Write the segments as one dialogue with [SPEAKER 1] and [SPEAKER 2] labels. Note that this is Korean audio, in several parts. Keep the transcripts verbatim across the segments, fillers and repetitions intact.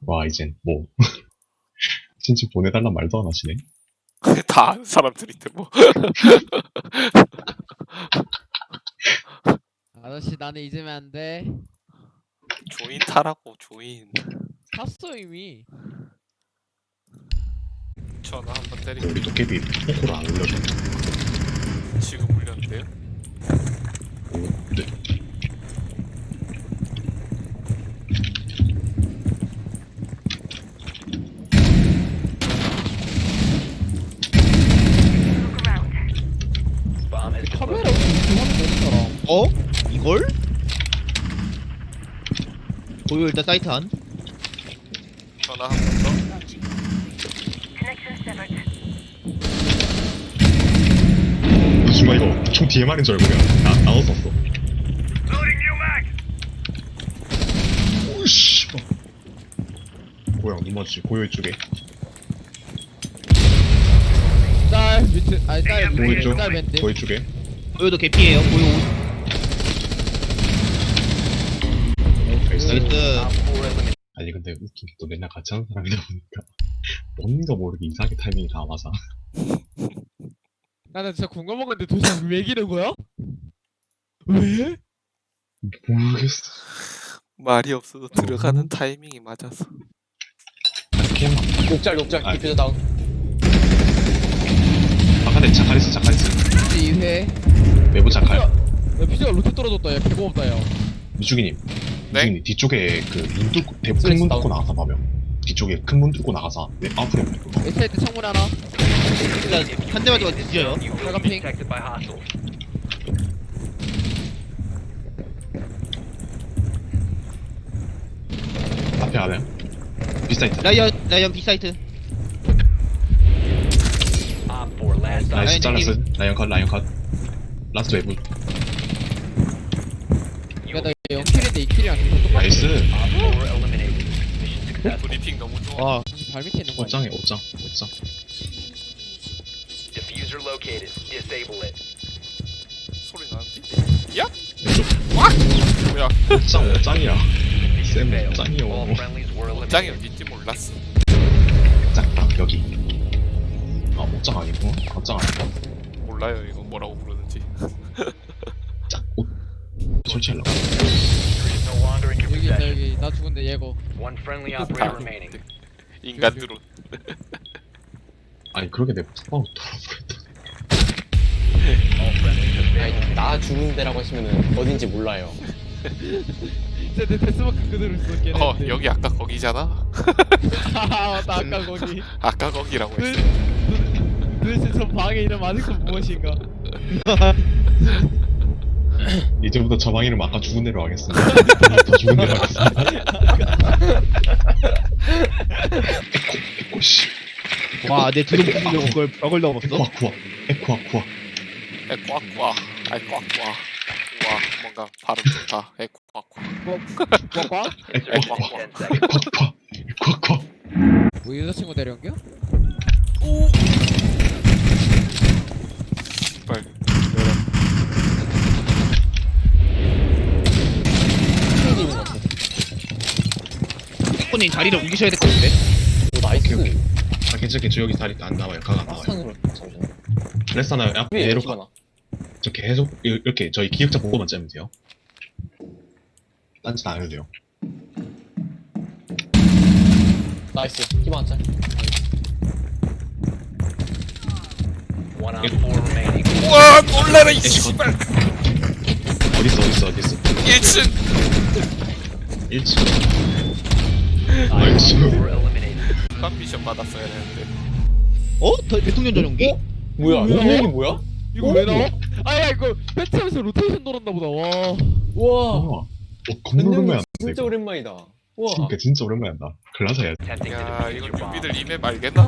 [SPEAKER 1] 와, 이젠 뭐 친추 보내달란 말도 안 하시네.
[SPEAKER 2] 다 아는 사람들인데 뭐.
[SPEAKER 3] 아저씨 나는 잊으면 안 돼.
[SPEAKER 2] 조인 타라고 조인.
[SPEAKER 3] 탔어 이미.
[SPEAKER 2] 전화 한번 때리고
[SPEAKER 1] 우리 도깨비 포코를 안 올려줘.
[SPEAKER 2] 지금 울렸는데요?
[SPEAKER 1] 오, 네.
[SPEAKER 3] 카메라 어떻게 하면 되는 사람?
[SPEAKER 4] 어? 이걸? 고요 일단 사이트 안.
[SPEAKER 2] 전화 한 번 더.
[SPEAKER 1] 그 순간 이거 총 디엠알인 줄 알고 그냥 나, 나눴었어. 오이씨. 고양 눈 맞지? 고요 이쪽에.
[SPEAKER 3] 짤 밑에 아니 짤
[SPEAKER 1] 고요
[SPEAKER 3] 밑에
[SPEAKER 1] 쪽.
[SPEAKER 3] 짤 밴드.
[SPEAKER 1] 고요 쪽에.
[SPEAKER 4] 고요도 개피예요. 고요
[SPEAKER 1] 나이스.
[SPEAKER 4] 나이스.
[SPEAKER 1] 아니 근데 웃긴 게 또 맨날 같이 하는 사람이다 보니까 뭔가 모르게 이상하게 타이밍이 다 맞아.
[SPEAKER 3] 나는 진짜 궁금한 건데 도대체 왜 기는 거야? 왜?
[SPEAKER 1] 모르겠어.
[SPEAKER 2] 말이 없어도 들어가는 타이밍이 맞아서.
[SPEAKER 1] 캠.
[SPEAKER 5] 욕잘 욕잘
[SPEAKER 1] 아.
[SPEAKER 5] 디퓨저 다운.
[SPEAKER 1] 바깥에 자칼 있어 자칼 있어.
[SPEAKER 3] 이 회.
[SPEAKER 1] 외부 자칼.
[SPEAKER 3] 야 피자가 로테 떨어졌다. 야 개고맙다 야.
[SPEAKER 1] 미주기님.
[SPEAKER 2] 네?
[SPEAKER 1] 미주기님 뒤쪽에 그 문 뚫고 대문
[SPEAKER 5] 스트레스
[SPEAKER 1] 문
[SPEAKER 5] 다운.
[SPEAKER 1] 뚫고 나가서 봐면 뒤쪽에 큰 문 뚫고 나가서 내 앞으로 오는 거.
[SPEAKER 3] 에스테이트 창문 하나.
[SPEAKER 4] 일단 한 대만 더 뒤져요.
[SPEAKER 3] 빨간 핑.
[SPEAKER 1] 앞에 안에 비사이트.
[SPEAKER 4] 라이언 라이언 B 사이트.
[SPEAKER 1] 나이스
[SPEAKER 4] 라이언
[SPEAKER 1] 잘랐어. 라이언 컷 라이언 컷. 라스트 외부.
[SPEAKER 3] 야나 영킬인데 이 킬이랑 계속 똑같아.
[SPEAKER 1] 나이스.
[SPEAKER 2] 브리핑 너무 좋아.
[SPEAKER 4] 와.
[SPEAKER 3] 발 밑에 있는 거 아니야?
[SPEAKER 1] 옷장에 옷장 옷장.
[SPEAKER 6] Diffuser located. Disable it.
[SPEAKER 2] 소리 나는데? 야?
[SPEAKER 1] 왼쪽.
[SPEAKER 2] 와! 뭐야?
[SPEAKER 1] 옷장 옷장이야. 쌤
[SPEAKER 6] All
[SPEAKER 1] 옷장이요.
[SPEAKER 6] friendlies were
[SPEAKER 2] 짱이
[SPEAKER 6] eliminated.
[SPEAKER 2] 어딘지 몰랐어.
[SPEAKER 1] 짱딱 여기. 아 옷장 아니고 옷장 아니고.
[SPEAKER 2] 몰라요 이거 뭐라고 부르는지.
[SPEAKER 1] 짝옷 설치하려고.
[SPEAKER 6] Is no longer in your
[SPEAKER 3] 여기 있다
[SPEAKER 6] possession.
[SPEAKER 3] 여기. 나 죽은데 얘고.
[SPEAKER 6] One friendly
[SPEAKER 2] 다
[SPEAKER 6] operator remaining.
[SPEAKER 2] 인간 드론.
[SPEAKER 1] 아니 그렇게 내 툭방울 돌아버렸다.
[SPEAKER 6] All friendlies have been
[SPEAKER 5] 아니 나 죽는 데라고 하시면은 어딘지 몰라요.
[SPEAKER 3] 진짜 내 데스마크 그대로 있어 걔네.
[SPEAKER 2] 어 여기 아까 거기잖아.
[SPEAKER 3] 하하 맞다 아까 거기.
[SPEAKER 2] 아까 거기라고
[SPEAKER 3] 도-
[SPEAKER 2] 했어.
[SPEAKER 3] 도- 도대체 저 방의 이름 아직도 무엇인가?
[SPEAKER 1] 이제부터 저 방 이름 아까 죽은 대로 하겠습니다. 더 죽은 대로 하겠습니다. 에코 에코 씨.
[SPEAKER 4] 와, 내 뒤로 붙이려고 그걸 벽을 넘었어.
[SPEAKER 1] 에코 아쿠아 에코 아쿠아.
[SPEAKER 2] 에 꽉꽉. 아이 꽉꽉. 와 뭔가 발음 좋다. 에 꽉꽉.
[SPEAKER 3] 뭐 꽉꽉?
[SPEAKER 1] 에코
[SPEAKER 2] 에코
[SPEAKER 1] 아쿠아
[SPEAKER 2] 아쿠아.
[SPEAKER 6] ten seconds.
[SPEAKER 1] 에코 아쿠아 에코 아쿠아.
[SPEAKER 3] 뭐 여자친구 데려온겨?
[SPEAKER 2] 오. 빨리.
[SPEAKER 5] 스크린 있는 것 같아.
[SPEAKER 4] 코님 자리를 옮기셔야 될 것 같은데.
[SPEAKER 5] 오 나이스.
[SPEAKER 1] 오케이, 아 괜찮 괜찮 여기 다리 안 나와요. 각 안 나와요.
[SPEAKER 5] 파스탄으로 잠시만.
[SPEAKER 1] 레스나 앞
[SPEAKER 5] 위에
[SPEAKER 1] 얘로
[SPEAKER 5] 기가 나.
[SPEAKER 1] 저 계속 이- 이렇게 저희 기획자 보고만 짜면 돼요. 딴짓 안 해도 돼요.
[SPEAKER 5] 나이스. 기반 한 짤.
[SPEAKER 6] One on four remaining.
[SPEAKER 2] 우와 놀래라 이 씨발.
[SPEAKER 1] 어딨어 어딨어 어딨어.
[SPEAKER 2] 일 층.
[SPEAKER 1] 일 층.
[SPEAKER 6] Four
[SPEAKER 1] 나이스.
[SPEAKER 6] eliminated.
[SPEAKER 2] 한 미션 받았어야 되는데.
[SPEAKER 4] 어? 더- 대통령 전용기?
[SPEAKER 5] 뭐야?
[SPEAKER 3] 뭐야?
[SPEAKER 5] 이거 얘기 뭐야?
[SPEAKER 3] 이거 왜 나와? 아야 이거 배치하면서 로테이션 돌았나 보다. 와.
[SPEAKER 5] 우와.
[SPEAKER 1] 우와. 어, 겁나 오랜만에 한다.
[SPEAKER 5] 진짜
[SPEAKER 1] 이거.
[SPEAKER 5] 오랜만이다. 우와.
[SPEAKER 1] 그러니까 진짜 오랜만에 한다. 글라서 해야 돼.
[SPEAKER 6] Attempting to
[SPEAKER 2] 야
[SPEAKER 6] defuse
[SPEAKER 2] 이거
[SPEAKER 6] your bomb.
[SPEAKER 2] 뉴비들 이맵 알겠나?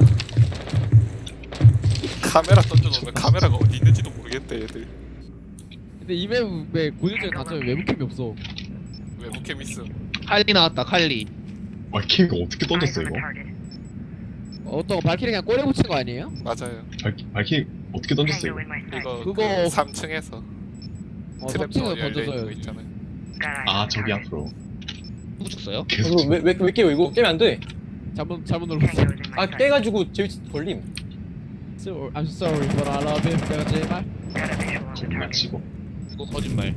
[SPEAKER 2] 카메라 던져놓으면 카메라가 어디 있는지도 모르겠대 얘들.
[SPEAKER 3] 근데 이 맵의 고질적인 단점이 외부캠이 없어.
[SPEAKER 2] 외부캠 있음.
[SPEAKER 4] 칼리 나왔다, 칼리.
[SPEAKER 1] 와 케이가 어떻게 던졌어 이거?
[SPEAKER 3] 어떤 거 발키리 그냥 꼬리 붙인 거 아니에요?
[SPEAKER 2] 맞아요.
[SPEAKER 1] 발키 발키 어떻게 던졌어 이거?
[SPEAKER 2] 이거
[SPEAKER 3] 그거-
[SPEAKER 2] 그 삼 층에서
[SPEAKER 3] 어,
[SPEAKER 2] 트랩도
[SPEAKER 3] 삼 층에서
[SPEAKER 2] 열려 있는 거
[SPEAKER 3] 던져서요.
[SPEAKER 2] 있잖아요.
[SPEAKER 1] 아 저기 앞으로.
[SPEAKER 4] 누구 죽어요?
[SPEAKER 1] 계속
[SPEAKER 5] 이거 왜, 왜, 왜 깨요 이거? 깨면 안 돼.
[SPEAKER 3] 잘못 잘못 눌렀어.
[SPEAKER 5] 아 깨가지고 제위치 걸림.
[SPEAKER 3] So, I'm sorry, but I love it. 내가 제발.
[SPEAKER 1] 정말 치고.
[SPEAKER 4] 이거 거짓말.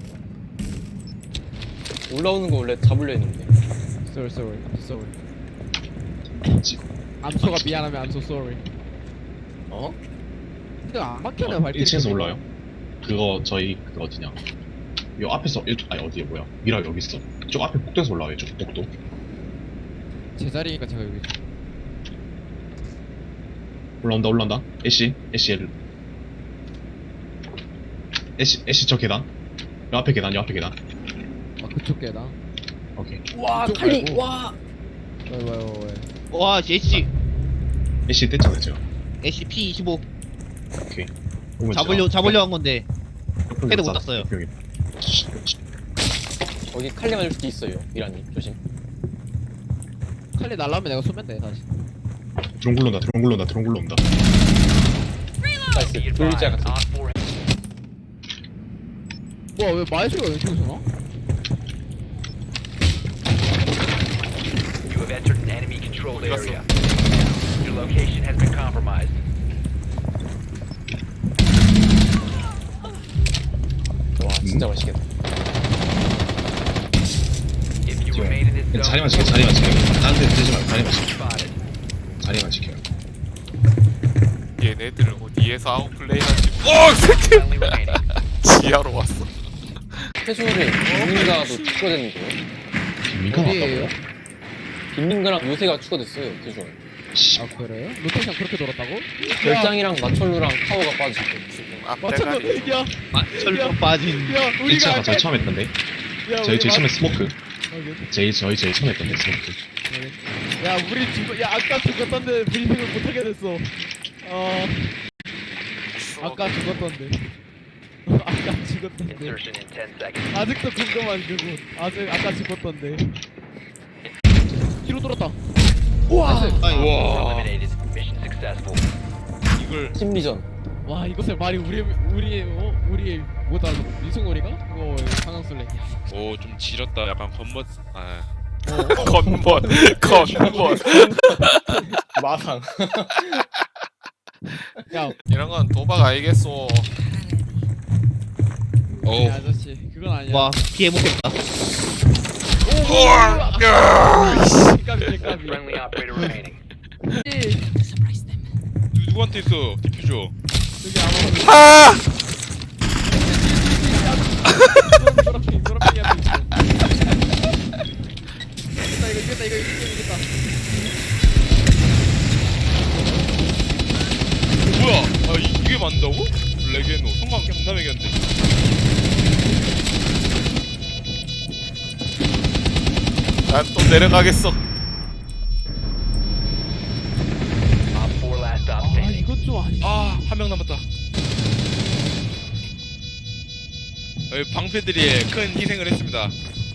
[SPEAKER 5] 올라오는 거 원래 잡으려 했는데.
[SPEAKER 3] Sorry, sorry, I'm sorry.
[SPEAKER 1] 치고.
[SPEAKER 3] 암소가 미안하면 I'm so sorry.
[SPEAKER 5] 어?
[SPEAKER 3] 근데 안 막혀네 발길이.
[SPEAKER 1] 일 층에서 올라와요. 그거 저희 그 어디냐? 요 앞에서 일 아니 어디에 뭐야? 미라 여기 있어. 저 앞에 복도에서 올라와요. 저 복도.
[SPEAKER 3] 제 자리니까 제가 여기.
[SPEAKER 1] 올라온다 올라온다. 애쉬 애쉬 엘. 애쉬 애쉬 저 계단. 요 앞에 계단 요 앞에 계단.
[SPEAKER 3] 아 그쪽 깨다.
[SPEAKER 1] 오케이.
[SPEAKER 5] 와
[SPEAKER 3] 이쪽
[SPEAKER 5] 칼리
[SPEAKER 3] 말고.
[SPEAKER 5] 와.
[SPEAKER 3] 왜 왜 왜 왜?
[SPEAKER 4] 와 제시
[SPEAKER 1] 애쉬 뗐잖아요 제가.
[SPEAKER 4] 애쉬 피 이십오
[SPEAKER 1] 오케이. 그러면
[SPEAKER 4] 잡으려
[SPEAKER 1] 제가
[SPEAKER 4] 잡으려 한 건데
[SPEAKER 1] 옆쪽에
[SPEAKER 4] 헤드 못
[SPEAKER 1] 쌌-
[SPEAKER 4] 땄어요.
[SPEAKER 1] 옆쪽에.
[SPEAKER 5] 거기 칼리 맞을 수도 있어요. 미라님 조심.
[SPEAKER 3] 칼리 날라오면 내가 쏘면 돼 다시.
[SPEAKER 1] 드론 굴러온다 드론 굴러온다 드론 굴러온다.
[SPEAKER 5] 나이스.
[SPEAKER 6] Be
[SPEAKER 5] 돌리자
[SPEAKER 6] advised,
[SPEAKER 5] 같은.
[SPEAKER 6] Op four
[SPEAKER 3] 뭐야 왜 마이스가 왼쪽에서 나?
[SPEAKER 6] You have entered an enemy controlled
[SPEAKER 2] 어디 갔어?
[SPEAKER 6] area. Your location has been compromised.
[SPEAKER 5] 와 진짜 맛있겠다.
[SPEAKER 6] If you remain in this zone,
[SPEAKER 1] 자리만 지켜 자리만 지켜. 다른 데 뜨지 말고 자리만 지켜.
[SPEAKER 6] spotted.
[SPEAKER 1] 자리만 지켜요.
[SPEAKER 2] 얘네들 어디에서 아웃플레이하지? 오 새끼!
[SPEAKER 6] Friendly remaining.
[SPEAKER 2] 지하로 왔어.
[SPEAKER 5] 태수를 빈민가도 추가되는 거예요?
[SPEAKER 1] 민가
[SPEAKER 3] 어디에요?
[SPEAKER 1] 왔다고?
[SPEAKER 5] 빈민가랑 요새가 추가됐어요. 태수.
[SPEAKER 1] 씨.
[SPEAKER 3] 아 그래요? 로테이션 그렇게 돌았다고?
[SPEAKER 5] 별장이랑 마철루랑 타워가 빠졌고.
[SPEAKER 2] 지금
[SPEAKER 3] 맞췄어.
[SPEAKER 2] 앞대가리.
[SPEAKER 3] 야,
[SPEAKER 4] 철로 빠진
[SPEAKER 3] 야,
[SPEAKER 1] 일
[SPEAKER 3] 우리가
[SPEAKER 1] 층가 저희 처음 했던데.
[SPEAKER 3] 야,
[SPEAKER 1] 저희
[SPEAKER 3] 우리
[SPEAKER 1] 제일 처음에
[SPEAKER 3] 맞-
[SPEAKER 1] 스모크.
[SPEAKER 3] 확인,
[SPEAKER 1] 제일 저희 제일 처음 했던데 스모크.
[SPEAKER 3] 확인. 야, 우리 죽어. 야, 아까 죽었던데 브리핑을 못 하게 됐어. 어, 아까 죽었던데. 아까 죽었던데.
[SPEAKER 6] Insertion in ten seconds.
[SPEAKER 3] 아직도 궁금한 그분. 아직 아까 죽었던데. 뒤로 돌았다.
[SPEAKER 5] 우와.
[SPEAKER 4] 아이
[SPEAKER 6] Eliminated. Mission successful.
[SPEAKER 3] 이걸
[SPEAKER 5] 심리전.
[SPEAKER 3] 와 이것을 말이 우리 우리 어 우리 뭐다 미승원이가 그거 상황술래.
[SPEAKER 7] 오 좀 지렸다 약간 겉멋 아
[SPEAKER 2] 건번 건번.
[SPEAKER 5] 마상.
[SPEAKER 3] 야,
[SPEAKER 2] 이런 건 도박 아니겠소.
[SPEAKER 7] 오
[SPEAKER 3] 야 아저씨 그건 아니야.
[SPEAKER 4] 와 피해 먹겠다.
[SPEAKER 3] 까비 까비.
[SPEAKER 6] Friendly operator remaining.
[SPEAKER 7] 누, 누구한테 있어 디퓨저
[SPEAKER 3] 여기 아마
[SPEAKER 2] 아!
[SPEAKER 3] 노란핑 노란핑이 앞에 있어. 이겼다 이거 이겼다 이거 이겼다.
[SPEAKER 7] 뭐야 아 이, 이게 맞는다고? 레게노 성광 존나 매겼는데
[SPEAKER 2] 난 또 내려가겠어.
[SPEAKER 6] Op four last stop
[SPEAKER 3] 아
[SPEAKER 6] standing.
[SPEAKER 3] 이건 좀 아니.
[SPEAKER 7] 아 한 명 남았다 여기 방패들이 큰 희생을 했습니다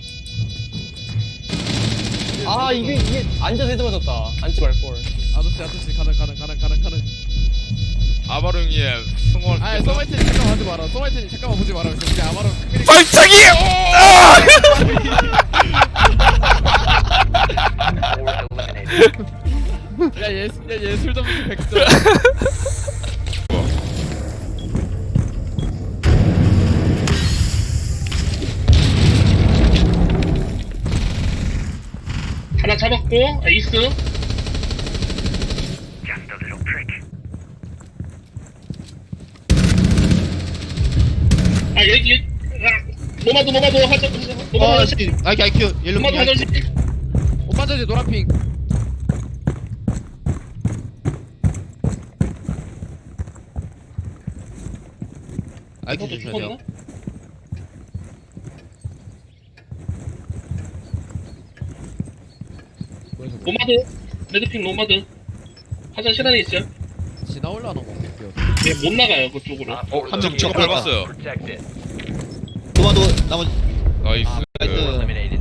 [SPEAKER 5] 아 이게 이게 앉아서 헤드 맞았다. 앉지 말 걸.
[SPEAKER 3] 아저씨 아저씨 가능 가능 가능 가능 가능.
[SPEAKER 7] 아바로 형의 성공을
[SPEAKER 3] 아
[SPEAKER 7] 위해서
[SPEAKER 3] 서마이트님 잠깐만 하지 마라. 서마이트님 잠깐만 보지 마라. 우리 아마로 큰일이.
[SPEAKER 2] 발차기! 아!
[SPEAKER 6] Four eliminated.
[SPEAKER 3] 야얘얘술 점수 백 점.
[SPEAKER 8] 하나 잡았고 에이스 아 여기 여기 아, 노마도 노마도 하자 노마도
[SPEAKER 4] 와
[SPEAKER 8] 하자
[SPEAKER 4] 아이큐 아이큐 옐로
[SPEAKER 8] 노마도
[SPEAKER 4] 피
[SPEAKER 8] 하자
[SPEAKER 3] 오빠 저지 노란핑.
[SPEAKER 4] 아이큐
[SPEAKER 8] 노마도
[SPEAKER 4] 조심하세요.
[SPEAKER 8] 죽었나? 노마드 레드핑 노마드 화장실 안에 있어요
[SPEAKER 3] 지나 올라오는 거 같아요.
[SPEAKER 8] 얘 못 나가요 그쪽으로
[SPEAKER 6] Op four
[SPEAKER 7] 한 명
[SPEAKER 6] located
[SPEAKER 7] 저거
[SPEAKER 6] a bomb.
[SPEAKER 7] 밟았어요.
[SPEAKER 6] Protect it.
[SPEAKER 4] 도마도 나머지
[SPEAKER 7] 나이스
[SPEAKER 4] 나이스.
[SPEAKER 6] Eliminated.